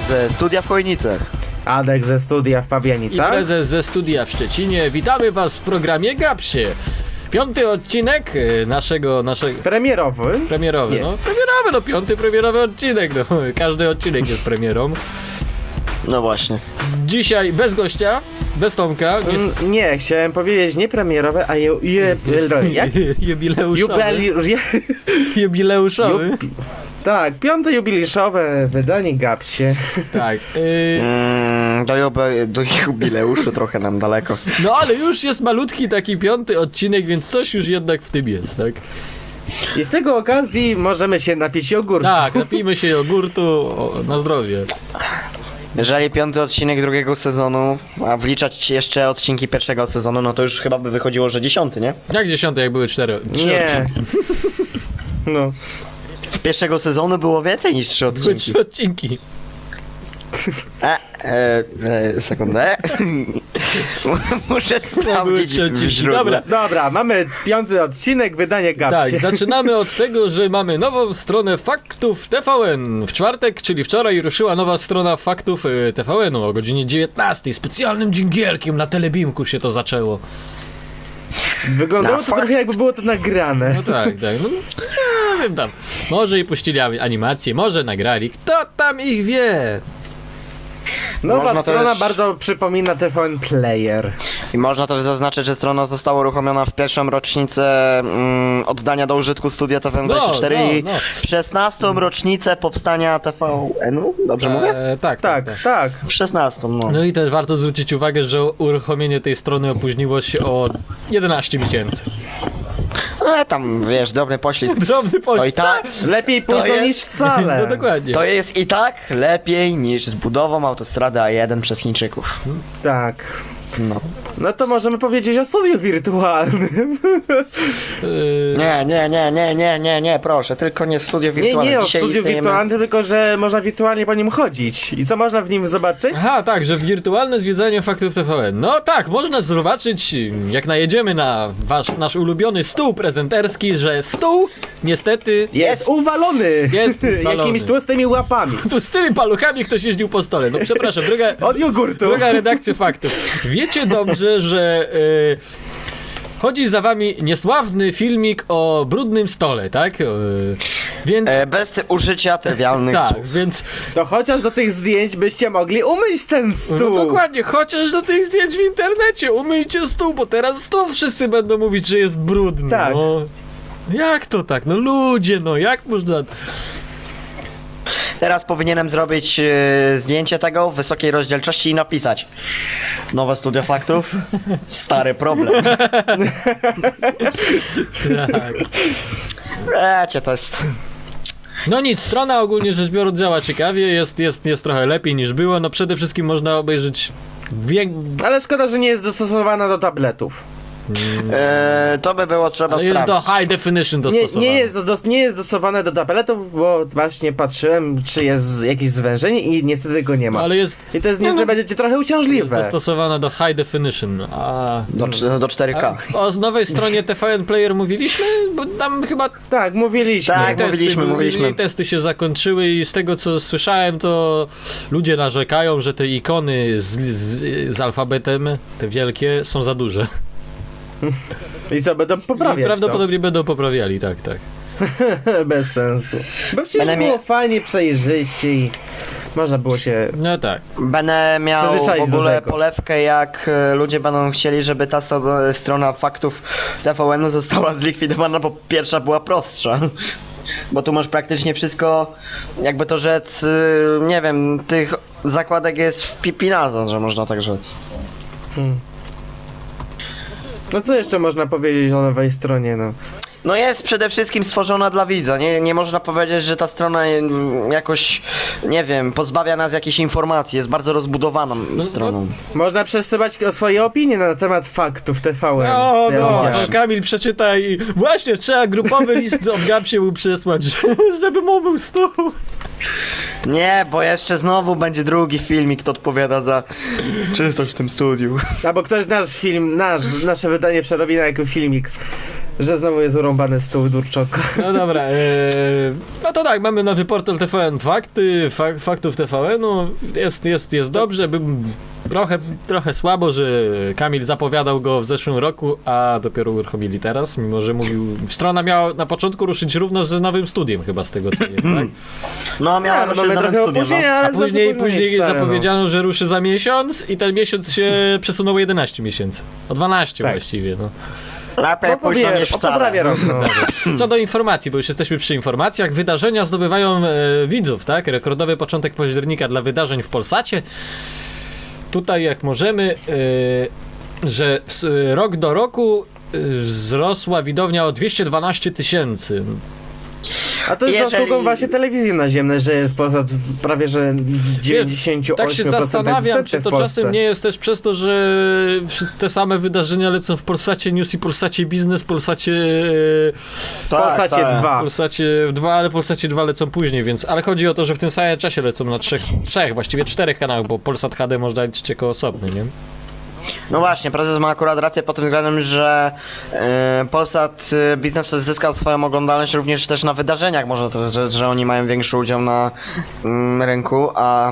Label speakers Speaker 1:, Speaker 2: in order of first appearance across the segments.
Speaker 1: ze studia w Chojnicach.
Speaker 2: Adek ze studia w
Speaker 3: I
Speaker 2: Pabianicach.
Speaker 3: prezes ze studia w Szczecinie. Witamy was w programie Gapsie. 5. odcinek naszego
Speaker 2: Premierowy.
Speaker 3: premierowy,
Speaker 2: Nie.
Speaker 3: no premierowy, no 5. premierowy odcinek, no każdy odcinek jest premierą.
Speaker 1: No właśnie.
Speaker 3: Dzisiaj bez gościa, bez Tomka,
Speaker 2: Nie, chciałem powiedzieć nie premierowe, a jak?
Speaker 3: jubileuszowy. Jubileuszowy.
Speaker 2: Tak, 5. jubileuszowe wydanie Gapsie.
Speaker 3: Tak.
Speaker 1: Do jubileuszu trochę nam daleko.
Speaker 3: No ale już jest malutki taki 5. odcinek, więc coś już jednak w tym jest, tak?
Speaker 2: I z tego okazji możemy się napić jogurtu.
Speaker 3: Tak, napijmy się jogurtu na zdrowie.
Speaker 1: Jeżeli 5. odcinek drugiego sezonu, a wliczać jeszcze odcinki pierwszego sezonu, no to już chyba by wychodziło, że 10, nie?
Speaker 3: Jak 10, jak były 3
Speaker 2: Nie.
Speaker 3: odcinki?
Speaker 2: No.
Speaker 1: W pierwszego sezonu było więcej niż 3
Speaker 3: Były
Speaker 1: odcinki.
Speaker 3: 3 odcinki.
Speaker 1: Sekundę. Muszę sprawdzić
Speaker 3: trzy odcinki.
Speaker 1: w źródle.
Speaker 3: Dobra.
Speaker 2: Dobra, mamy 5. odcinek wydanie Gapsie.
Speaker 3: Tak, zaczynamy od tego, że mamy nową stronę Faktów TVN. W czwartek, czyli wczoraj, ruszyła nowa strona Faktów TVN-u o godzinie 19. Specjalnym dżingielkiem na Telebimku się to zaczęło.
Speaker 2: Wyglądało
Speaker 1: Na
Speaker 2: to
Speaker 1: fakt.
Speaker 2: trochę jakby było to nagrane.
Speaker 3: No tak. No, nie wiem tam. Może i puścili animację, może nagrali. Kto tam ich wie?
Speaker 2: Nowa
Speaker 1: Można
Speaker 2: strona
Speaker 1: też-
Speaker 2: bardzo przypomina TVN Player.
Speaker 1: I można też zaznaczyć, że strona została uruchomiona w pierwszą rocznicę oddania do użytku studia TVN24 i
Speaker 3: no.
Speaker 1: w 16. rocznicę powstania TVN-u, dobrze mówię?
Speaker 3: Tak.
Speaker 2: Tak.
Speaker 1: W 16, no.
Speaker 3: No i też warto zwrócić uwagę, że uruchomienie tej strony opóźniło się o 11 miesięcy.
Speaker 1: Tam, wiesz, drobny poślizg.
Speaker 3: Drobny
Speaker 1: To i
Speaker 3: poślizg.
Speaker 1: tak,
Speaker 2: Lepiej późno
Speaker 1: jest-
Speaker 2: niż wcale.
Speaker 3: No dokładnie.
Speaker 1: to jest i tak lepiej niż z budową autostrady A1 przez Chińczyków.
Speaker 2: Tak.
Speaker 1: No.
Speaker 2: No to możemy powiedzieć o studiu wirtualnym.
Speaker 1: Nie, proszę, tylko nie studio wirtualne.
Speaker 2: Nie o
Speaker 1: Dzisiaj
Speaker 2: studiu
Speaker 1: istniejemy-
Speaker 2: wirtualnym, tylko że można wirtualnie po nim chodzić. I co można w nim zobaczyć?
Speaker 3: Aha, tak, że wirtualne zwiedzanie Faktów TVN. No tak, można zobaczyć, jak najedziemy na nasz ulubiony stół prezenterski, że stół niestety
Speaker 2: Jest uwalony!
Speaker 3: Jest uwalony.
Speaker 2: Jakimiś tłustymi łapami.
Speaker 3: tu z tymi paluchami ktoś jeździł po stole. No przepraszam,
Speaker 2: Od jogurtu.
Speaker 3: druga redakcja Faktów. Wiecie dobrze, że chodzi za wami niesławny filmik o brudnym stole, tak? Więc...
Speaker 1: Bez użycia trywialnych
Speaker 3: tak,
Speaker 1: słów.
Speaker 3: więc
Speaker 2: To chociaż do tych zdjęć byście mogli umyć ten stół.
Speaker 3: no dokładnie, chociaż do tych zdjęć w internecie umyjcie stół, bo teraz stół wszyscy będą mówić, że jest brudny.
Speaker 2: Tak.
Speaker 3: No. Jak to tak? No ludzie, no jak można...
Speaker 1: Teraz powinienem zrobić zdjęcie tego w wysokiej rozdzielczości i napisać: nowe studio faktów, stary problem.
Speaker 3: Tak.
Speaker 1: Wiecie, to jest...
Speaker 3: No nic, strona ogólnie rzecz biorąc działa ciekawie, jest trochę lepiej niż było, no przede wszystkim można obejrzeć
Speaker 2: Ale szkoda, że nie jest dostosowana do tabletów.
Speaker 1: to by było trzeba
Speaker 3: ale jest
Speaker 1: sprawdzić.
Speaker 3: do high definition
Speaker 2: Nie,
Speaker 3: dostosowane.
Speaker 2: nie jest dostosowane do tabletów, bo właśnie patrzyłem, czy jest jakieś zwężenie i niestety go nie ma.
Speaker 3: Ale jest
Speaker 2: I to jest niestety będzie trochę uciążliwe.
Speaker 3: dostosowana do high definition.
Speaker 1: Do 4K.
Speaker 3: O nowej stronie TVN Player mówiliśmy? Bo tam chyba
Speaker 2: Tak, mówiliśmy.
Speaker 1: Tak. mówiliśmy.
Speaker 3: testy się zakończyły i z tego co słyszałem, to ludzie narzekają, że te ikony z alfabetem, te wielkie, są za duże.
Speaker 2: I co, będą
Speaker 3: I
Speaker 2: poprawiać
Speaker 3: prawdopodobnie będą poprawiali, tak.
Speaker 2: to? Bez sensu. Bo przecież
Speaker 1: Będę
Speaker 2: było
Speaker 1: mia-
Speaker 2: fajnie, przejrzyście i można było się...
Speaker 3: No tak.
Speaker 1: Będę miał w
Speaker 2: Przyzwyczaić do
Speaker 1: ogóle
Speaker 2: tego.
Speaker 1: polewkę, jak ludzie będą chcieli, żeby ta strona faktów TVN-u została zlikwidowana, bo pierwsza była prostsza. Bo tu masz praktycznie wszystko, jakby to rzec, nie wiem, tych zakładek jest w pipinazon, że można tak rzec.
Speaker 2: No co jeszcze można powiedzieć o nowej stronie, no?
Speaker 1: No jest przede wszystkim stworzona dla widza, nie można powiedzieć, że ta strona jakoś, nie wiem, pozbawia nas jakiejś informacji, jest bardzo rozbudowaną stroną.
Speaker 2: Można przesyłać swoje opinie na temat faktów TVN.
Speaker 3: No,
Speaker 2: co ja
Speaker 3: no,
Speaker 2: widziałem.
Speaker 3: Kamil przeczytaj. Właśnie, trzeba grupowy list od Gapsie mu przesłać, żeby mu był stół.
Speaker 1: Nie, bo jeszcze znowu będzie drugi filmik, kto odpowiada za czystość w tym studiu.
Speaker 2: Albo ktoś nasz film, nasze wydanie przerobi na jakiś filmik. Że znowu jest urąbany stół Durczoka.
Speaker 3: No dobra, no to tak, mamy nowy portal TVN Fakty, faktów TVN-u, jest dobrze, trochę słabo, że Kamil zapowiadał go w zeszłym roku, a dopiero uruchomili teraz, mimo że mówił, strona miała na początku ruszyć równo z nowym studiem chyba z tego co wiem, tak?
Speaker 1: No miała
Speaker 2: No,
Speaker 1: ruszyć
Speaker 2: mamy
Speaker 1: z nowym
Speaker 2: trochę
Speaker 1: studiem,
Speaker 2: opóźnienia,
Speaker 1: no.
Speaker 2: ale
Speaker 3: A później
Speaker 2: stare, no.
Speaker 3: zapowiedziano, że ruszy za miesiąc i ten miesiąc się przesunął o 11 miesięcy, o 12
Speaker 2: Tak.
Speaker 3: właściwie, no.
Speaker 1: Lepiej
Speaker 2: No,
Speaker 1: późno niż wcale.
Speaker 2: poprawię rok, no.
Speaker 3: Co do informacji, bo już jesteśmy przy informacjach, wydarzenia zdobywają widzów, tak? Rekordowy początek października dla wydarzeń w Polsacie. Tutaj jak możemy, że rok do roku wzrosła widownia o 212 000.
Speaker 2: A to jest
Speaker 1: Jeżeli-
Speaker 2: zasługą właśnie telewizji naziemnej, że jest Polsat prawie że w 98%
Speaker 3: Tak się zastanawiam, czy to
Speaker 2: w Polsce.
Speaker 3: czasem nie jest też przez to, że te same wydarzenia lecą w Polsacie News i Polsacie Biznes, Polsacie...
Speaker 1: Tak,
Speaker 2: Polsacie
Speaker 1: tak.
Speaker 2: 2.
Speaker 3: Polsacie 2, ale Polsacie 2 lecą później, więc... Ale chodzi o to, że w tym samym czasie lecą na trzech, właściwie 4 kanałach, bo Polsat HD można liczyć jako osobny, nie?
Speaker 1: No właśnie, prezes ma akurat rację pod tym względem, że Polsat Biznes zyskał swoją oglądalność również też na wydarzeniach, może to, że oni mają większy udział na rynku, a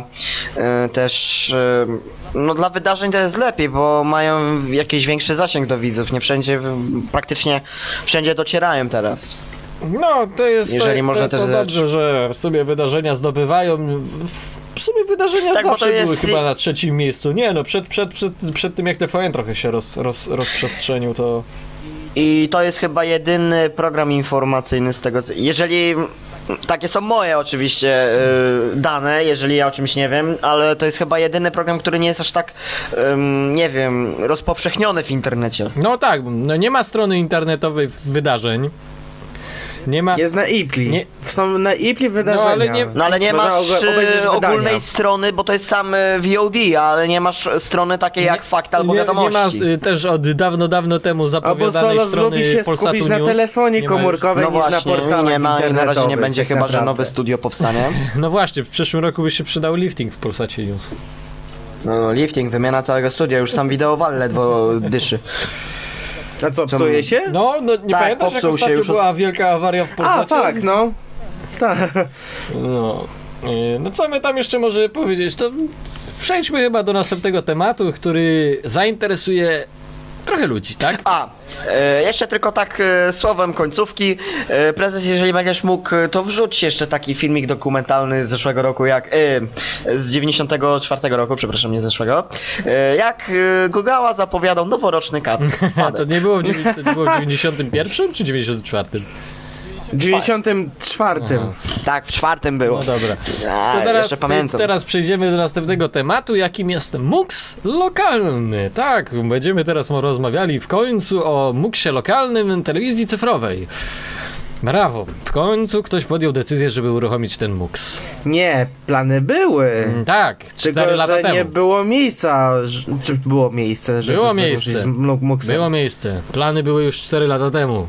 Speaker 1: też no dla wydarzeń to jest lepiej, bo mają jakiś większy zasięg do widzów, nie wszędzie, praktycznie wszędzie docierają teraz.
Speaker 3: No, to jest
Speaker 1: Jeżeli można
Speaker 3: to
Speaker 1: też
Speaker 3: dobrze, że w sumie wydarzenia zdobywają. W sumie wydarzenia
Speaker 1: Tak, bo
Speaker 3: zawsze
Speaker 1: to jest-
Speaker 3: były chyba na trzecim miejscu. Nie no, przed tym jak TVN trochę się rozprzestrzenił, to...
Speaker 1: I to jest chyba jedyny program informacyjny z tego, jeżeli... Takie są moje oczywiście dane, jeżeli ja o czymś nie wiem, ale to jest chyba jedyny program, który nie jest aż tak, nie wiem, rozpowszechniony w internecie.
Speaker 3: No tak, no nie ma strony internetowej wydarzeń. Nie ma...
Speaker 2: Jest na Ipli.
Speaker 3: Nie-
Speaker 2: Są na Ipli wydarzenia.
Speaker 3: No, ale nie-
Speaker 1: No ale nie
Speaker 2: Można
Speaker 1: masz
Speaker 2: obejrzeć wydania.
Speaker 1: ogólnej strony, bo to jest sam VOD, ale nie masz strony takiej jak Fakt albo
Speaker 3: nie
Speaker 1: Wiadomości.
Speaker 3: ma też od dawno temu
Speaker 2: Albo
Speaker 3: zapowiadanej
Speaker 2: Solos
Speaker 3: strony
Speaker 2: lubi się
Speaker 3: Polsatu
Speaker 2: skupić na
Speaker 3: News.
Speaker 2: telefonie
Speaker 3: Nie ma już.
Speaker 2: komórkowej
Speaker 1: No
Speaker 2: niż na
Speaker 1: właśnie,
Speaker 2: portalach
Speaker 1: nie ma i na razie nie
Speaker 2: internetowych,
Speaker 1: będzie
Speaker 2: tak
Speaker 1: chyba, że
Speaker 2: naprawdę.
Speaker 1: nowe studio powstanie.
Speaker 3: No właśnie, w przyszłym roku by się przydał lifting w Polsacie News.
Speaker 1: No, lifting, wymiana całego studia, już sam wideo ledwo dyszy.
Speaker 2: A co, psuje się?
Speaker 3: No nie
Speaker 1: Tak,
Speaker 3: pamiętasz jak
Speaker 1: popsuł się
Speaker 3: ostatnio
Speaker 1: już
Speaker 3: była wielka awaria w
Speaker 2: A,
Speaker 3: Polsacie?
Speaker 2: tak, no. Tak.
Speaker 3: No. No co my tam jeszcze może powiedzieć? To przejdźmy chyba do następnego tematu, który zainteresuje trochę ludzi, tak?
Speaker 1: Jeszcze tylko tak słowem końcówki. Prezes, jeżeli będziesz mógł, to wrzuć jeszcze taki filmik dokumentalny z zeszłego roku, z 94 roku, przepraszam, nie zeszłego. Jak Gugała zapowiadał noworoczny kat.
Speaker 3: A to nie było w 91 czy 94?
Speaker 2: W 94.
Speaker 3: Aha.
Speaker 1: Tak, w czwartym było.
Speaker 3: No dobra.
Speaker 1: A, jeszcze pamiętam.
Speaker 3: Teraz przejdziemy do następnego tematu, jakim jest MUX lokalny. Tak, będziemy teraz rozmawiali w końcu o MUX-ie lokalnym telewizji cyfrowej. Brawo, w końcu ktoś podjął decyzję, żeby uruchomić ten MUX.
Speaker 2: Nie, plany były.
Speaker 3: Tak, 4
Speaker 2: Tylko,
Speaker 3: lata
Speaker 2: że
Speaker 3: temu.
Speaker 2: nie było miejsca. Czy było miejsce? Żeby
Speaker 3: Było
Speaker 2: wyruszyć
Speaker 3: miejsce.
Speaker 2: z Muxem?
Speaker 3: Było miejsce. Plany były już 4 lata temu.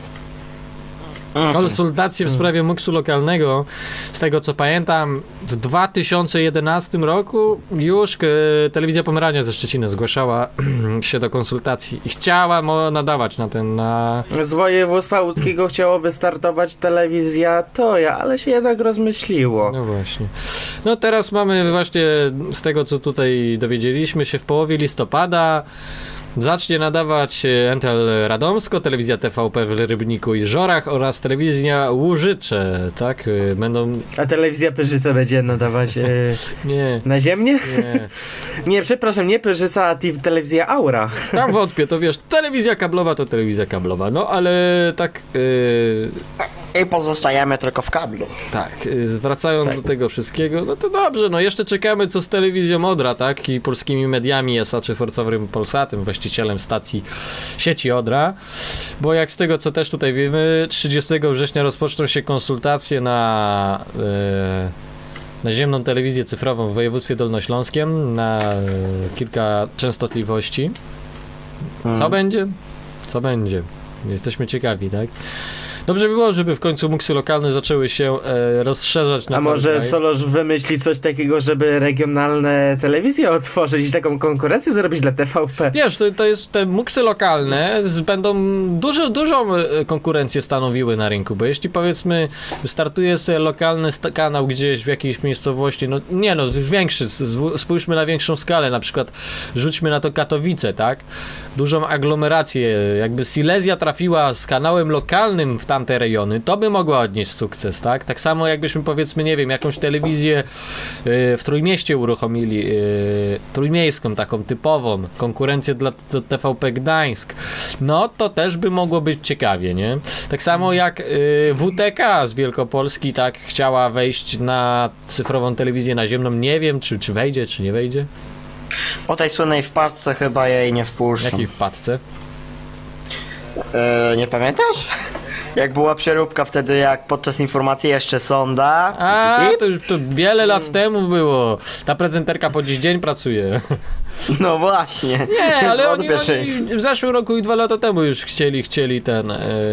Speaker 3: Konsultacje w sprawie MUX-u lokalnego, z tego co pamiętam, w 2011 roku już Telewizja Pomerania ze Szczecina zgłaszała się do konsultacji i chciała nadawać na...
Speaker 2: Z województwa łódzkiego chciało wystartować telewizja Toja, ale się jednak rozmyśliło.
Speaker 3: No właśnie. No teraz mamy właśnie, z tego co tutaj dowiedzieliśmy się, w połowie listopada zacznie nadawać Entel Radomsko, telewizja TVP w Rybniku i Żorach oraz telewizja Łużycze, tak? Będą...
Speaker 2: A telewizja Pyrzyca będzie nadawać
Speaker 3: Nie,
Speaker 2: na ziemię?
Speaker 3: nie.
Speaker 2: Nie, przepraszam, nie Pyrzyca, a telewizja Aura.
Speaker 3: Tam wątpię, to wiesz, telewizja kablowa to telewizja kablowa, no ale tak...
Speaker 1: I pozostajemy tylko w kablu.
Speaker 3: Tak, wracając do tego wszystkiego, no to dobrze, no jeszcze czekamy co z telewizją Odra, tak, i polskimi mediami SA czy Forcowym Polsatem, właścicielem stacji sieci Odra, bo jak z tego co też tutaj wiemy, 30 września rozpoczną się konsultacje na naziemną telewizję cyfrową w województwie dolnośląskim na kilka częstotliwości. Co będzie? Co będzie? Jesteśmy ciekawi, tak? Dobrze by było, żeby w końcu muksy lokalne zaczęły się rozszerzać na
Speaker 2: A
Speaker 3: cały
Speaker 2: może
Speaker 3: kraj.
Speaker 2: Solosz wymyśli coś takiego, żeby regionalne telewizje otworzyć i taką konkurencję zrobić dla TVP?
Speaker 3: Wiesz, to jest te muksy lokalne będą dużą konkurencję stanowiły na rynku, bo jeśli powiedzmy startuje sobie lokalny kanał gdzieś w jakiejś miejscowości, no nie no, już większy, spójrzmy na większą skalę, na przykład rzućmy na to Katowice, tak? Dużą aglomerację, jakby Silesia trafiła z kanałem lokalnym w tamte rejony, to by mogła odnieść sukces, tak? Tak samo jakbyśmy powiedzmy, nie wiem, jakąś telewizję w Trójmieście uruchomili, trójmiejską, taką typową, konkurencję dla TVP Gdańsk, no to też by mogło być ciekawie, nie? Tak samo jak WTK z Wielkopolski tak chciała wejść na cyfrową telewizję naziemną, nie wiem czy wejdzie, czy nie wejdzie.
Speaker 1: O tej słynnej wpadce chyba jej nie wpuszczą.
Speaker 3: Jakiej wpadce?
Speaker 1: Nie pamiętasz? Jak była przeróbka wtedy, jak podczas informacji jeszcze sonda.
Speaker 3: A,
Speaker 1: I...
Speaker 3: to już to wiele lat temu było. Ta prezenterka po dziś dzień pracuje.
Speaker 1: No właśnie.
Speaker 3: Nie, ale oni
Speaker 1: Wątpię,
Speaker 3: w zeszłym roku i 2 lata temu już chcieli ten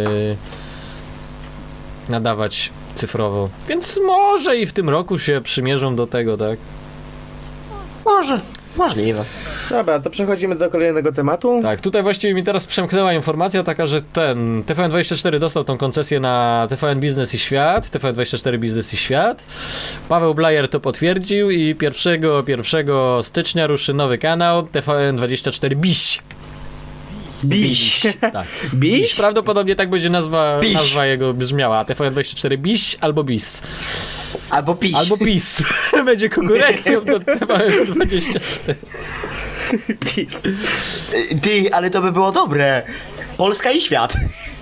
Speaker 3: nadawać cyfrowo. Więc może i w tym roku się przymierzą do tego, tak?
Speaker 1: Może. Możliwe.
Speaker 2: Dobra, to przechodzimy do kolejnego tematu.
Speaker 3: Tak, tutaj właściwie mi teraz przemknęła informacja taka, że ten TVN24 dostał tą koncesję na TVN Biznes i Świat, TVN24 Biznes i Świat. Paweł Blajer to potwierdził i 1 stycznia ruszy nowy kanał TVN24 Biś.
Speaker 2: Biś.
Speaker 3: Tak.
Speaker 2: Biś?
Speaker 3: Prawdopodobnie tak będzie nazwa
Speaker 1: Biś.
Speaker 3: jego brzmiała. TVN24 Biś albo Bis.
Speaker 1: Albo piś.
Speaker 3: Albo PiS. Będzie konkurencją do TVN24.
Speaker 2: Biś.
Speaker 1: Ty, ale to by było dobre. Polska i świat.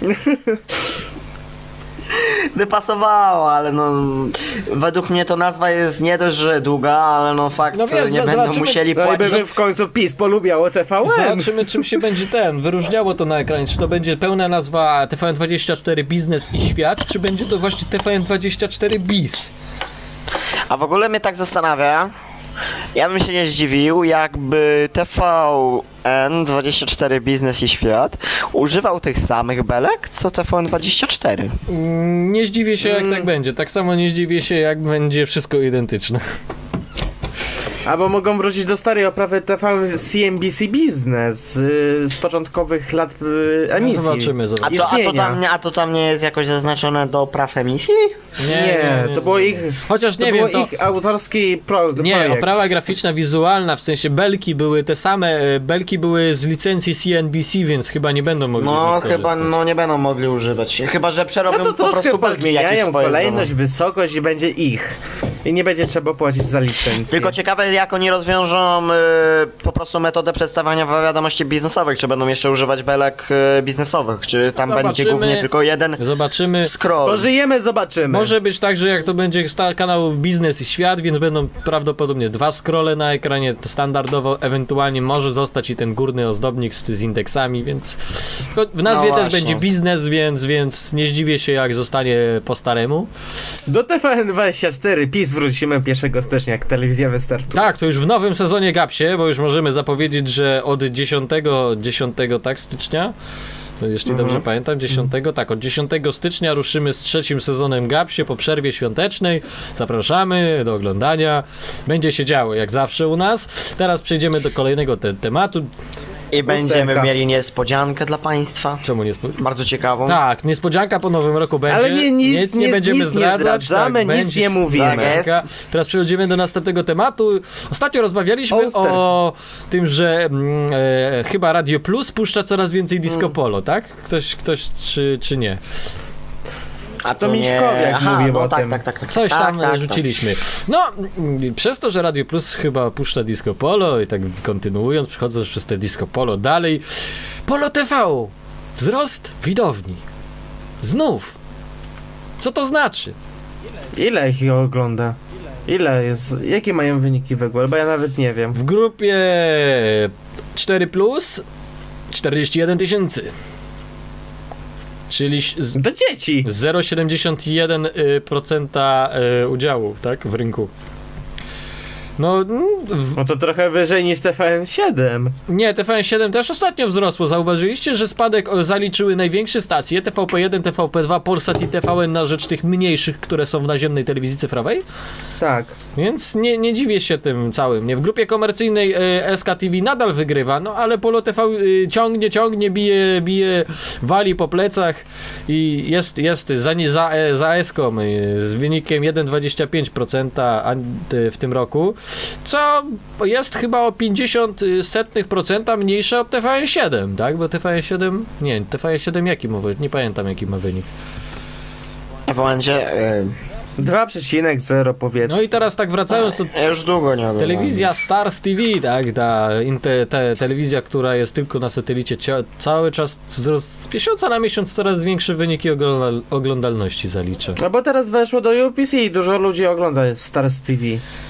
Speaker 1: By pasowało, ale no według mnie to nazwa jest nie dość, że długa, ale no fakt,
Speaker 3: No wiesz,
Speaker 1: nie będą
Speaker 3: zobaczymy-
Speaker 1: musieli
Speaker 2: No i
Speaker 1: płacić.
Speaker 2: by w końcu PiS polubiało TVN.
Speaker 3: Zobaczymy, czym się będzie wyróżniało to na ekranie. Czy to będzie pełna nazwa TVN24 Biznes i Świat, czy będzie to właśnie TVN24 Bis?
Speaker 1: A w ogóle mnie tak zastanawia, ja bym się nie zdziwił, jakby TVN24 Biznes i Świat używał tych samych belek, co TVN24.
Speaker 3: Nie zdziwię się, jak tak będzie. Tak samo nie zdziwię się, jak będzie wszystko identyczne.
Speaker 2: Albo mogą wrócić do starej oprawy TVN CNBC Business z początkowych lat emisji.
Speaker 3: Zobaczymy.
Speaker 1: A to tam nie jest jakoś zaznaczone do praw emisji?
Speaker 2: Nie, to było ich...
Speaker 3: Chociaż
Speaker 2: To
Speaker 3: nie
Speaker 2: było
Speaker 3: wiem, to...
Speaker 2: ich autorski
Speaker 3: Nie,
Speaker 2: projekt.
Speaker 3: oprawa graficzna, wizualna, w sensie belki były te same, belki były z licencji CNBC, więc chyba nie będą mogli z
Speaker 1: No
Speaker 3: nich
Speaker 1: chyba
Speaker 3: korzystać.
Speaker 1: nie będą mogli używać. Chyba że przerobią
Speaker 2: No to
Speaker 1: po
Speaker 2: troszkę
Speaker 1: prostu belki jakieś
Speaker 2: pozmieniają
Speaker 1: swoje
Speaker 2: kolejność,
Speaker 1: domowe.
Speaker 2: wysokość i będzie ich. I nie będzie trzeba płacić za licencję.
Speaker 1: Tylko ciekawe jak oni rozwiążą po prostu metodę przedstawiania wiadomości biznesowych, czy będą jeszcze używać belek biznesowych, czy tam będzie
Speaker 3: Zobaczymy.
Speaker 1: głównie tylko jeden
Speaker 3: Zobaczymy.
Speaker 1: scroll.
Speaker 2: Pożyjemy, zobaczymy.
Speaker 3: Może być tak, że jak to będzie kanał Biznes i Świat, więc będą prawdopodobnie 2 scrolle na ekranie standardowo, ewentualnie może zostać i ten górny ozdobnik z indeksami, więc w nazwie
Speaker 1: No
Speaker 3: też
Speaker 1: właśnie.
Speaker 3: będzie biznes, więc nie zdziwię się, jak zostanie po staremu.
Speaker 2: Do TVN24 PiS wrócimy 1 stycznia, jak telewizja wystartuje.
Speaker 3: Tak, to już w nowym sezonie Gapsie, bo już możemy zapowiedzieć, że od 10 tak, stycznia, to jeśli dobrze pamiętam, 10, tak, od 10 stycznia ruszymy z 3. sezonem Gapsie po przerwie świątecznej. Zapraszamy do oglądania. Będzie się działo, jak zawsze u nas. Teraz przejdziemy do kolejnego tematu.
Speaker 1: I będziemy
Speaker 2: Lusterka.
Speaker 1: mieli niespodziankę dla państwa.
Speaker 3: Czemu nie
Speaker 1: Bardzo ciekawą.
Speaker 3: Tak, niespodzianka po nowym roku będzie.
Speaker 2: Ale nic
Speaker 3: nie będziemy
Speaker 2: nie
Speaker 3: zdradzać.
Speaker 2: zdradzamy,
Speaker 3: tak,
Speaker 2: nic
Speaker 3: będzie
Speaker 2: nie mówimy.
Speaker 1: Tak jest.
Speaker 3: Teraz przechodzimy do następnego tematu. Ostatnio rozmawialiśmy
Speaker 2: Oster.
Speaker 3: o tym, że chyba Radio Plus puszcza coraz więcej disco polo, tak? Ktoś czy nie?
Speaker 1: A
Speaker 2: To Miśkowiak
Speaker 1: Aha,
Speaker 2: mówił
Speaker 1: no
Speaker 2: o
Speaker 1: tak,
Speaker 2: tym.
Speaker 1: tak.
Speaker 3: Coś
Speaker 1: tak,
Speaker 3: tam
Speaker 1: tak,
Speaker 3: rzuciliśmy. No, przez to, że Radio Plus chyba puszcza disco polo i tak kontynuując, przechodząc przez te disco polo dalej. Polo TV! Wzrost widowni. Znów. Co to znaczy?
Speaker 2: Ile ich ogląda? Ile jest? Jakie mają wyniki w ogóle? Bo ja nawet nie wiem.
Speaker 3: W grupie 4+, 41 000. Czyli
Speaker 2: Do dzieci!
Speaker 3: 0,71% udziału, tak, w rynku. No,
Speaker 2: No to trochę wyżej niż TVN7.
Speaker 3: nie, TVN7 też ostatnio wzrosło. Zauważyliście, że spadek zaliczyły największe stacje TVP1, TVP2, Polsat i TVN na rzecz tych mniejszych, które są w naziemnej telewizji cyfrowej?
Speaker 2: Tak.
Speaker 3: Więc nie dziwię się tym całym. Nie, w grupie komercyjnej SKTV nadal wygrywa, no ale Polo TV ciągnie, bije, wali po plecach i jest za Eską z wynikiem 1,25% w tym roku, co jest chyba o 0,50% mniejsze od TVN7, tak? Bo TVN7 jaki ma wynik? Nie pamiętam jaki ma wynik.
Speaker 1: W momencie...
Speaker 2: 2,0 powiedzmy.
Speaker 3: No i teraz tak wracając do
Speaker 1: Ja już długo nie oglądam.
Speaker 3: telewizja Stars TV, tak, telewizja, która jest tylko na satelicie, cały czas z miesiąca na miesiąc coraz większe wyniki oglądalności zalicza.
Speaker 2: No bo teraz weszło do UPC i dużo ludzi ogląda Stars TV.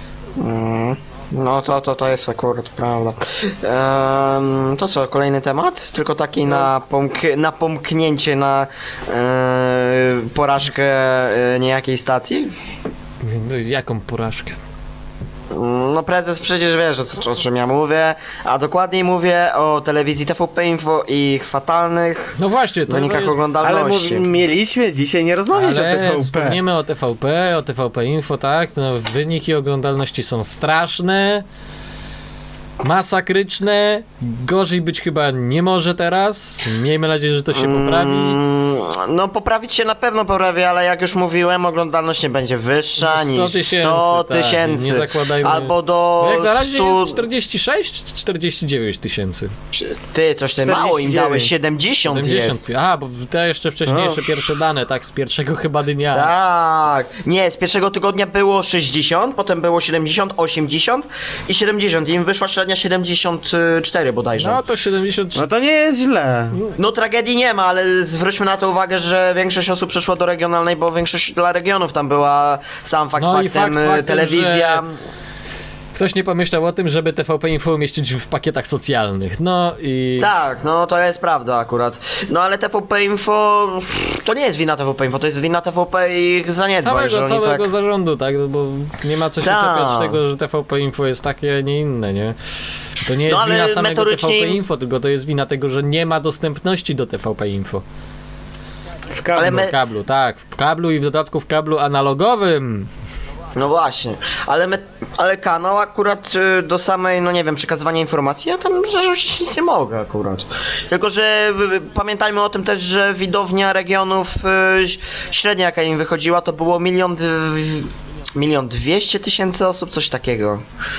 Speaker 1: No to jest akurat prawda. To co, kolejny temat? Tylko taki na pomknięcie na porażkę niejakiej stacji?
Speaker 3: No, jaką porażkę?
Speaker 1: No prezes przecież wiesz o czym ja mówię, a dokładniej mówię o telewizji TVP Info i ich fatalnych
Speaker 3: No właśnie, to
Speaker 1: wynikach
Speaker 3: jest...
Speaker 2: Ale
Speaker 1: oglądalności.
Speaker 2: mieliśmy dzisiaj nie rozmawiać o
Speaker 3: Ale
Speaker 2: TVP.
Speaker 3: wspomniemy o TVP Info, tak, no, wyniki oglądalności są straszne, masakryczne, gorzej być chyba nie może teraz, miejmy nadzieję, że to się poprawi.
Speaker 1: No poprawić się na pewno poprawi, ale jak już mówiłem, oglądalność nie będzie wyższa
Speaker 3: 100
Speaker 1: niż
Speaker 3: tysięcy,
Speaker 1: 100
Speaker 3: tak,
Speaker 1: tysięcy.
Speaker 3: nie zakładajmy.
Speaker 1: Albo do
Speaker 3: Bo jak na razie
Speaker 1: 100...
Speaker 3: jest 46 czy 49 tysięcy?
Speaker 1: Ty, coś ty mało im
Speaker 2: 49.
Speaker 1: dałeś, 70 jest.
Speaker 3: A, bo te jeszcze wcześniejsze
Speaker 2: O.
Speaker 3: pierwsze dane, tak, z pierwszego chyba dnia.
Speaker 1: Tak, nie, z pierwszego tygodnia było 60, potem było 70, 80 i 70. Im wyszła średnia 74 bodajże.
Speaker 3: No to 70.
Speaker 2: No to nie jest źle.
Speaker 1: No tragedii nie ma, ale zwróćmy na to uwagę, że większość osób przeszła do regionalnej, bo większość dla regionów tam była sam fakt
Speaker 3: No i
Speaker 1: faktem,
Speaker 3: faktem,
Speaker 1: telewizja.
Speaker 3: Ktoś nie pomyślał o tym, żeby TVP Info umieścić w pakietach socjalnych. No i...
Speaker 1: Tak, no to jest prawda akurat. No ale TVP Info to nie jest wina TVP Info, to jest wina TVP i ich zaniedbań, że oni
Speaker 3: Całego
Speaker 1: tak...
Speaker 3: zarządu, tak? No bo nie ma co się
Speaker 1: Tak.
Speaker 3: czepiać tego, że TVP Info jest takie, a nie inne, nie? To nie jest
Speaker 1: No, ale
Speaker 3: wina samego
Speaker 1: metodycznie
Speaker 3: TVP
Speaker 1: im-
Speaker 3: Info, tylko to jest wina tego, że nie ma dostępności do TVP Info.
Speaker 2: W kablu.
Speaker 1: Ale my-
Speaker 3: W kablu, tak. W kablu i w dodatku w kablu analogowym.
Speaker 1: No właśnie, ale kanał akurat do samej, no nie wiem, przekazywania informacji, ja tam zarzucić nic nie mogę akurat. Tylko, że pamiętajmy o tym też, że widownia regionów średnia jaka im wychodziła to było 1,200,000 osób, coś takiego.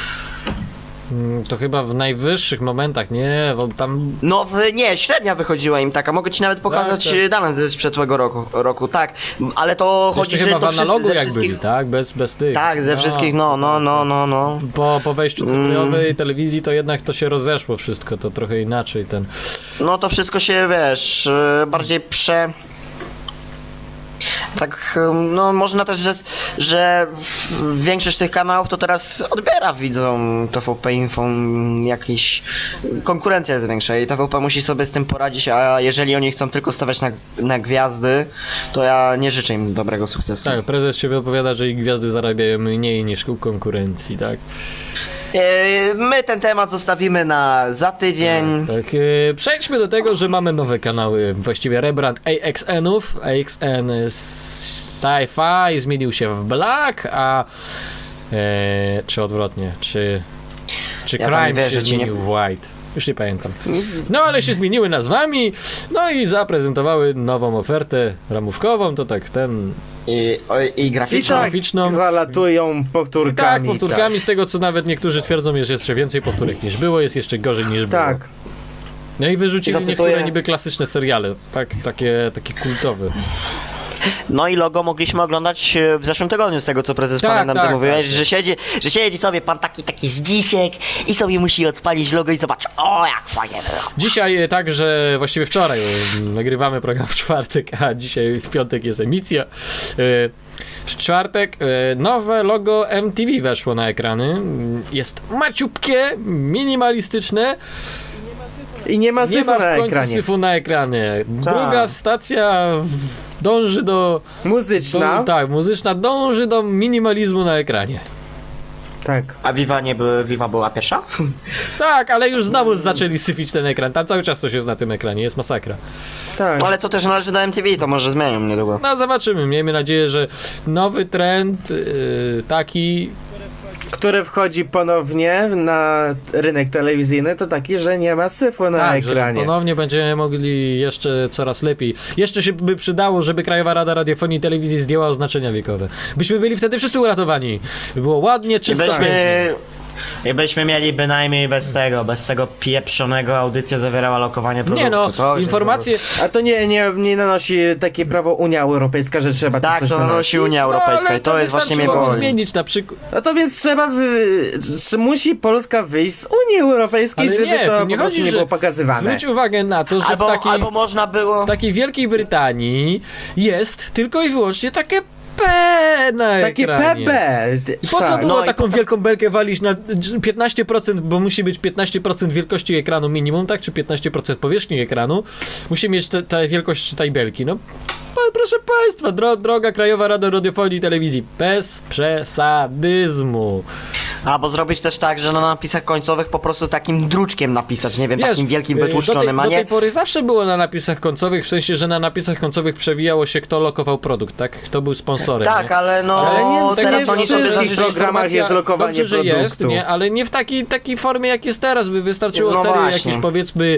Speaker 3: To chyba w najwyższych momentach, nie, bo tam...
Speaker 1: No nie, średnia wychodziła im taka, mogę ci nawet pokazać
Speaker 3: tak.
Speaker 1: dane ze sprzedłego roku, tak, ale to chodzi,
Speaker 3: Jeszcze
Speaker 1: że
Speaker 3: chyba
Speaker 1: to
Speaker 3: w analogu
Speaker 1: ze
Speaker 3: jak
Speaker 1: wszystkich...
Speaker 3: byli, tak? Bez tych.
Speaker 1: Tak, ze wszystkich, no.
Speaker 3: Po wejściu cyfrowej telewizji to jednak to się rozeszło wszystko, to trochę inaczej ten...
Speaker 1: No to wszystko się, wiesz, bardziej tak, no można też, że większość tych kanałów to teraz odbiera widzom TVP Info jakiś... Konkurencja jest większa i TVP musi sobie z tym poradzić, a jeżeli oni chcą tylko stawiać na gwiazdy, to ja nie życzę im dobrego sukcesu.
Speaker 3: Tak, prezes się wypowiada, że ich gwiazdy zarabiają mniej niż u konkurencji, tak?
Speaker 1: My ten temat zostawimy na za tydzień.
Speaker 3: Tak, przejdźmy do tego, że mamy nowe kanały, właściwie rebrand AXN-ów. AXN Sci-Fi zmienił się w Black, a czy odwrotnie, czy
Speaker 1: Ja tam
Speaker 3: Crime
Speaker 1: wierzę,
Speaker 3: się
Speaker 1: ci nie-
Speaker 3: zmienił w White. Już nie pamiętam. No ale się zmieniły nazwami, no i zaprezentowały nową ofertę ramówkową, to tak ten...
Speaker 1: I
Speaker 2: I
Speaker 1: graficzną.
Speaker 2: tak
Speaker 3: graficzną.
Speaker 2: zalatują
Speaker 3: Tak,
Speaker 2: powtórkami.
Speaker 3: powtórkami z tego co nawet niektórzy twierdzą, jest jeszcze więcej powtórek niż było, jest jeszcze gorzej niż było.
Speaker 2: Tak.
Speaker 3: No i wyrzucili
Speaker 1: Zacytuję-
Speaker 3: niektóre niby klasyczne seriale, tak, takie kultowe.
Speaker 1: No i logo mogliśmy oglądać w zeszłym tygodniu, z tego co prezes
Speaker 3: Tak,
Speaker 1: pamiętam,
Speaker 3: tak,
Speaker 1: ty mówiłeś,
Speaker 3: tak.
Speaker 1: że siedzi sobie pan taki zdzisiek i sobie musi odpalić logo i zobacz, o jak fajnie było.
Speaker 3: Dzisiaj także, właściwie wczoraj nagrywamy program w czwartek, a dzisiaj w piątek jest emisja. W czwartek nowe logo MTV weszło na ekrany. Jest maciupkie, minimalistyczne.
Speaker 2: I nie ma
Speaker 3: Nie
Speaker 2: syfu
Speaker 3: ma w
Speaker 2: na
Speaker 3: końcu
Speaker 2: ekranie.
Speaker 3: syfu na ekranie.
Speaker 1: Tak.
Speaker 3: Druga stacja dąży do...
Speaker 2: Muzyczna.
Speaker 3: Tak, muzyczna dąży do minimalizmu na ekranie.
Speaker 2: Tak.
Speaker 1: A Viva była pierwsza?
Speaker 3: Tak, ale już znowu zaczęli syfić ten ekran. Tam cały czas coś jest na tym ekranie, jest masakra.
Speaker 2: Tak.
Speaker 1: No ale to też należy do MTV, to może zmienią niedługo.
Speaker 3: No zobaczymy, miejmy nadzieję, że nowy trend taki...
Speaker 2: Który wchodzi ponownie na rynek telewizyjny, to taki, że nie ma syfu na
Speaker 3: Tak, że
Speaker 2: ekranie.
Speaker 3: ponownie będziemy mogli jeszcze coraz lepiej. Jeszcze się by przydało, żeby Krajowa Rada Radiofonii i Telewizji zdjęła oznaczenia wiekowe. Byśmy byli wtedy wszyscy uratowani. By było ładnie,
Speaker 1: I
Speaker 3: czysto.
Speaker 1: byśmy mieli bynajmniej bez tego pieprzonego audycja zawierała lokowanie produktu.
Speaker 3: Nie no,
Speaker 1: To już
Speaker 3: informacje...
Speaker 2: A to nie nanosi takie prawo Unia Europejska, że trzeba tu
Speaker 1: Tak,
Speaker 2: coś
Speaker 1: to nanosi Unia Europejska
Speaker 3: ale
Speaker 1: i to jest właśnie mnie
Speaker 3: wystarczyłoby
Speaker 1: boli.
Speaker 3: zmienić na przykład...
Speaker 2: No to więc musi Polska wyjść z Unii Europejskiej,
Speaker 3: Ale
Speaker 2: żeby
Speaker 3: nie,
Speaker 2: to
Speaker 3: tu nie
Speaker 2: po prostu
Speaker 3: chodzi,
Speaker 2: nie
Speaker 3: że...
Speaker 2: było pokazywane.
Speaker 3: Zwróć uwagę na to, że
Speaker 1: Albo można było...
Speaker 3: w takiej Wielkiej Brytanii jest tylko i wyłącznie takie P na
Speaker 2: Takie
Speaker 3: ekranie.
Speaker 2: PB.
Speaker 3: I po co
Speaker 2: tak.
Speaker 3: było
Speaker 1: no i
Speaker 3: taką wielką belkę walić na 15%, bo musi być 15% wielkości ekranu minimum, tak? Czy 15% powierzchni ekranu? Musi mieć tę wielkość tej belki, no. Proszę Państwa, droga Krajowa Rada Radiofonii i Telewizji, bez przesadyzmu.
Speaker 1: Albo zrobić też tak, że na napisach końcowych po prostu takim druczkiem napisać, nie wiem,
Speaker 3: Wiesz,
Speaker 1: takim wielkim
Speaker 3: do
Speaker 1: wytłuszczonym, a
Speaker 3: tej
Speaker 1: nie...
Speaker 3: pory zawsze było na napisach końcowych, w sensie, że na napisach końcowych przewijało się, kto lokował produkt, tak? Kto był sponsorem.
Speaker 1: Tak,
Speaker 3: nie?
Speaker 1: ale no
Speaker 2: Ale nie,
Speaker 1: teraz
Speaker 2: nie
Speaker 1: oni
Speaker 2: w
Speaker 1: sobie
Speaker 2: wszystkich
Speaker 1: zażyczyli...
Speaker 2: programach jest lokowanie
Speaker 3: Dobrze, że
Speaker 2: produktu.
Speaker 3: jest, nie? Ale nie w takiej formie, jak jest teraz, by wystarczyło
Speaker 1: No
Speaker 3: serii
Speaker 1: właśnie.
Speaker 3: jakieś, powiedzmy,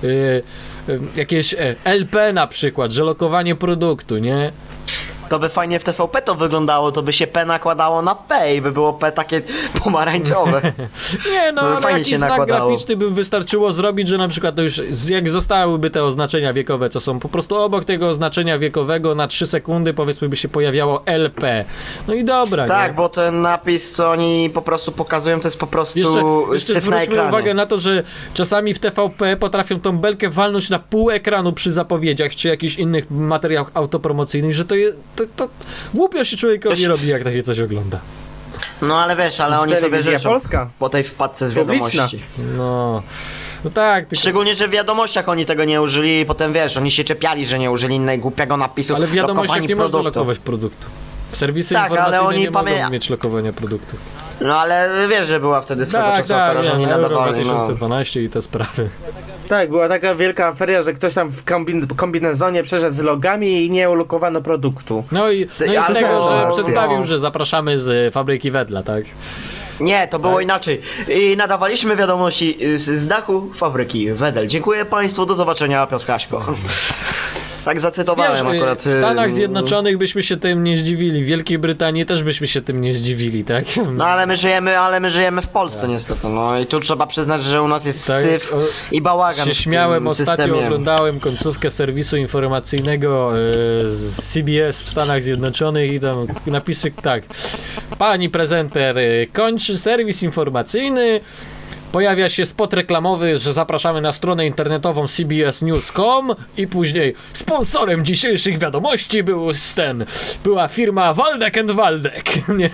Speaker 3: jakieś LP na przykład, że lokowanie produktu, nie?
Speaker 1: To by fajnie w TVP to wyglądało, to by się P nakładało na P i by było P takie pomarańczowe.
Speaker 3: Nie, no,
Speaker 1: To by
Speaker 3: ale
Speaker 1: fajnie
Speaker 3: jakiś
Speaker 1: się
Speaker 3: znak
Speaker 1: nakładało.
Speaker 3: graficzny by wystarczyło zrobić, że na przykład to już jak zostałyby te oznaczenia wiekowe, co są po prostu obok tego oznaczenia wiekowego na 3 sekundy, powiedzmy, by się pojawiało LP. No i dobra,
Speaker 1: Tak,
Speaker 3: nie?
Speaker 1: bo ten napis, co oni po prostu pokazują, to jest po prostu
Speaker 3: Jeszcze
Speaker 1: syf na
Speaker 3: zwróćmy
Speaker 1: ekranie.
Speaker 3: uwagę na to, że czasami w TVP potrafią tą belkę walnąć na pół ekranu przy zapowiedziach, czy jakichś innych materiałach autopromocyjnych, że to głupio się człowiekowi
Speaker 1: Też-
Speaker 3: robi, jak takie coś ogląda.
Speaker 1: No ale wiesz, ale oni sobie
Speaker 2: Telewizja
Speaker 1: życzą
Speaker 2: Polska.
Speaker 1: po tej wpadce z
Speaker 2: Publiczna.
Speaker 1: wiadomości.
Speaker 3: No tak, tylko...
Speaker 1: Szczególnie, że w wiadomościach oni tego nie użyli i potem wiesz, oni się czepiali, że nie użyli innego głupiego napisu
Speaker 3: Ale w wiadomościach
Speaker 1: lokowanie
Speaker 3: nie można
Speaker 1: produktu.
Speaker 3: lokować produktu. Serwisy
Speaker 1: Tak, ale
Speaker 3: informacyjne
Speaker 1: oni
Speaker 3: nie mogą mieć lokowania produktu.
Speaker 1: No ale wiesz, że była wtedy swego
Speaker 3: Tak,
Speaker 1: czasu afera, że
Speaker 3: wiem,
Speaker 1: oni
Speaker 3: Euro
Speaker 1: nadawali, no.
Speaker 3: 2012 i te sprawy.
Speaker 2: Tak, była taka wielka aferia, że ktoś tam w kombinezonie przeszedł z logami i nie ulokowano produktu.
Speaker 3: No i z
Speaker 1: ale
Speaker 3: tego,
Speaker 1: to-
Speaker 3: że
Speaker 1: no.
Speaker 3: przedstawił, że zapraszamy z fabryki Wedla, tak?
Speaker 1: Nie, to było
Speaker 3: Tak?
Speaker 1: inaczej. I nadawaliśmy wiadomości z dachu fabryki Wedel. Dziękuję Państwu, do zobaczenia, Piotr Kaśko. Tak zacytowałem
Speaker 3: Wiesz,
Speaker 1: akurat.
Speaker 3: w Stanach Zjednoczonych byśmy się tym nie zdziwili, w Wielkiej Brytanii też byśmy się tym nie zdziwili, tak?
Speaker 1: No ale my żyjemy w Polsce niestety, no i tu trzeba przyznać, że u nas jest
Speaker 3: Tak,
Speaker 1: syf
Speaker 3: o-
Speaker 1: i bałagan
Speaker 3: Się
Speaker 1: w
Speaker 3: śmiałem,
Speaker 1: tym
Speaker 3: ostatnio
Speaker 1: systemie.
Speaker 3: oglądałem końcówkę serwisu informacyjnego z CBS w Stanach Zjednoczonych i tam napisy tak. Pani prezenter kończy serwis informacyjny. Pojawia się spot reklamowy, że zapraszamy na stronę internetową cbsnews.com i później sponsorem dzisiejszych wiadomości była firma Waldek & Waldek. Nie?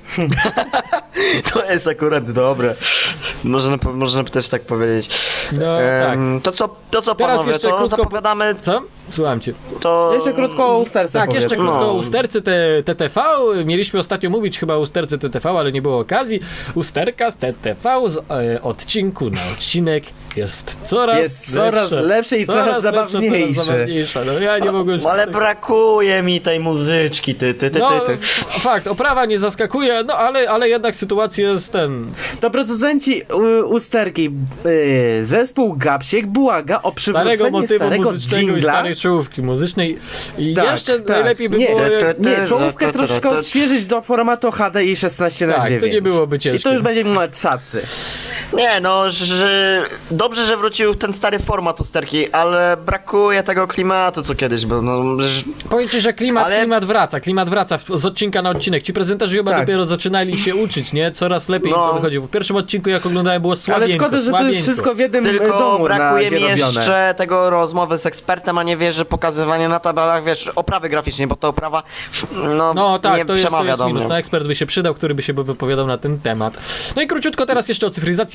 Speaker 1: To jest akurat dobre. Można by też tak powiedzieć.
Speaker 3: No tak.
Speaker 1: To co
Speaker 3: Teraz
Speaker 1: panowie,
Speaker 3: jeszcze
Speaker 1: to
Speaker 3: krótko
Speaker 1: zapowiadamy
Speaker 3: Co? Słucham cię.
Speaker 1: to...
Speaker 2: Jeszcze krótko o usterce
Speaker 3: Tak, jeszcze
Speaker 2: powiedzmy.
Speaker 3: krótko
Speaker 1: No.
Speaker 3: o usterce TTV. Mieliśmy ostatnio mówić chyba o usterce TTV, ale nie było okazji. Usterka z TTV z odcinku na odcinek jest coraz
Speaker 2: lepsze i coraz zabawniejsze.
Speaker 3: No ja nie mogłem już...
Speaker 1: Ale brakuje mi tej muzyczki, ty.
Speaker 3: No, fakt, oprawa nie zaskakuje, no ale jednak sytuacja jest
Speaker 2: To producenci usterki, zespół Gapsiek błaga o
Speaker 3: starego
Speaker 2: przywrócenie
Speaker 3: motywu
Speaker 2: starego
Speaker 3: muzycznego i
Speaker 2: dżingla.
Speaker 3: starej czołówki muzycznej i
Speaker 2: Tak,
Speaker 3: jeszcze
Speaker 2: tak.
Speaker 3: najlepiej by
Speaker 2: Nie,
Speaker 3: było...
Speaker 2: Nie, czołówkę troszkę odświeżyć do formatu HDI 16 na
Speaker 3: Tak,
Speaker 2: 9.
Speaker 3: to nie byłoby ciężkie.
Speaker 2: I to już będzie cacy.
Speaker 1: Nie no, że dobrze, że wrócił ten stary format usterki, ale brakuje tego klimatu co kiedyś był, no...
Speaker 3: Powiem ci, że klimat wraca z odcinka na odcinek. Ci prezenterzy chyba
Speaker 2: Tak.
Speaker 3: dopiero zaczynali się uczyć, nie? Coraz lepiej im
Speaker 1: No.
Speaker 3: to wychodzi. W pierwszym odcinku, jak oglądałem, było
Speaker 2: Ale
Speaker 3: słabieńko,
Speaker 2: szkoda, że to jest wszystko w jednym
Speaker 1: Tylko
Speaker 2: domu
Speaker 1: brakuje mi
Speaker 2: robione.
Speaker 1: jeszcze tego rozmowy z ekspertem, a nie wiesz, że pokazywanie na tabelach, wiesz, oprawy graficznej, bo ta oprawa,
Speaker 3: No tak,
Speaker 1: nie
Speaker 3: to jest
Speaker 1: przemawia do
Speaker 3: minus.
Speaker 1: mnie.
Speaker 3: No ekspert by się przydał, który by się wypowiadał na ten temat. No i króciutko teraz jeszcze o cyfryzacji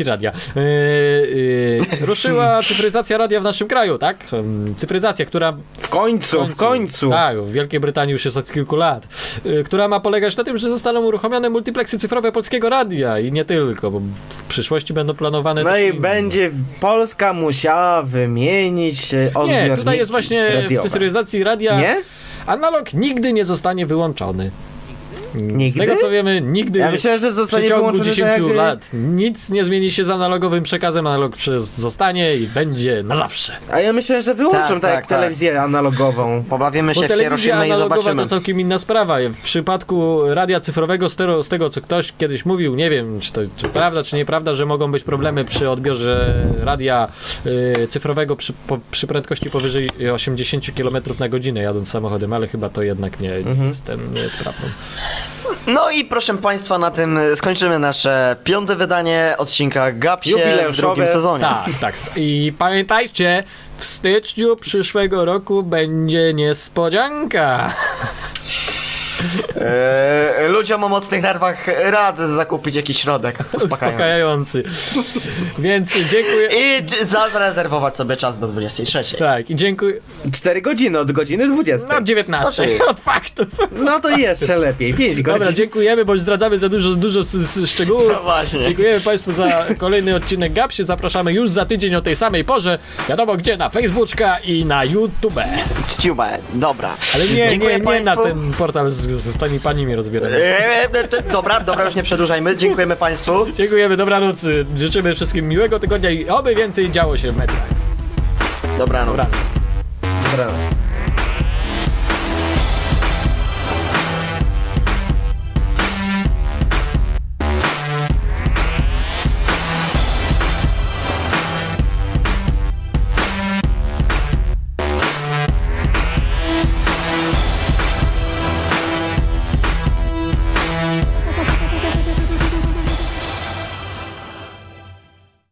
Speaker 3: cyfryzacji radia. Ruszyła cyfryzacja radia w naszym kraju, tak? Cyfryzacja, która
Speaker 2: W końcu.
Speaker 3: Tak, w Wielkiej Brytanii już jest od kilku lat. Która ma polegać na tym, że zostaną uruchomione multipleksy cyfrowe Polskiego Radia i nie tylko, bo w przyszłości będą planowane
Speaker 2: No
Speaker 3: też
Speaker 2: i
Speaker 3: inne.
Speaker 2: będzie Polska musiała wymienić odbiorniki
Speaker 3: Nie, tutaj jest właśnie
Speaker 2: radiowe.
Speaker 3: w cyfryzacji radia
Speaker 2: Nie?
Speaker 3: analog nigdy nie zostanie wyłączony.
Speaker 2: Nigdy?
Speaker 3: Z tego co wiemy, nigdy
Speaker 2: Ja myślałem, że
Speaker 3: w
Speaker 2: zostanie
Speaker 3: przeciągu
Speaker 2: wyłączony
Speaker 3: 10
Speaker 2: tak jak...
Speaker 3: lat nic nie zmieni się z analogowym przekazem, analog zostanie i będzie na zawsze.
Speaker 2: A ja myślałem, że wyłączą
Speaker 1: Tak,
Speaker 2: tak jak
Speaker 1: tak, tak.
Speaker 2: telewizję analogową.
Speaker 1: Pobawimy
Speaker 3: Bo
Speaker 1: się w
Speaker 3: telewizja
Speaker 1: Hiroshima i
Speaker 3: analogowa
Speaker 1: zobaczymy.
Speaker 3: to całkiem inna sprawa. W przypadku radia cyfrowego, z tego co ktoś kiedyś mówił, nie wiem czy prawda czy nieprawda, że mogą być problemy przy odbiorze radia cyfrowego przy prędkości powyżej 80 km na godzinę jadąc samochodem, ale chyba to jednak nie jest prawdą.
Speaker 1: No i proszę Państwa, na tym skończymy nasze 5. wydanie odcinka Gapsie w
Speaker 2: Jubileuszowe.
Speaker 1: drugim sezonie.
Speaker 3: Tak. I pamiętajcie, w styczniu przyszłego roku będzie niespodzianka.
Speaker 1: Ludziom o mocnych nerwach radzę zakupić jakiś środek uspokajający.
Speaker 3: Więc dziękuję.
Speaker 1: I zarezerwować sobie czas do 23.
Speaker 3: Tak, i dziękuję.
Speaker 2: 4 godziny od godziny 20.
Speaker 3: No 19.
Speaker 1: Proszę.
Speaker 3: Od faktów.
Speaker 2: No to jeszcze lepiej, 5 godzin.
Speaker 3: Dobra, dziękujemy, bo zdradzamy za dużo szczegółów.
Speaker 1: No właśnie.
Speaker 3: Dziękujemy Państwu za kolejny odcinek Gapsie. Zapraszamy już za tydzień o tej samej porze. Wiadomo gdzie, na Facebooka i na YouTube.
Speaker 1: Czciube, dobra.
Speaker 3: Ale
Speaker 1: Dziękuję
Speaker 3: nie na
Speaker 1: państwu.
Speaker 3: ten portal z tymi panimi rozbieramy.
Speaker 1: Dobra, już nie przedłużajmy. Dziękujemy Państwu.
Speaker 3: Dziękujemy, dobranoc. Życzymy wszystkim miłego tygodnia i oby więcej działo się w mediach.
Speaker 1: Dobranoc.
Speaker 3: Dobranoc.
Speaker 2: Dobranoc.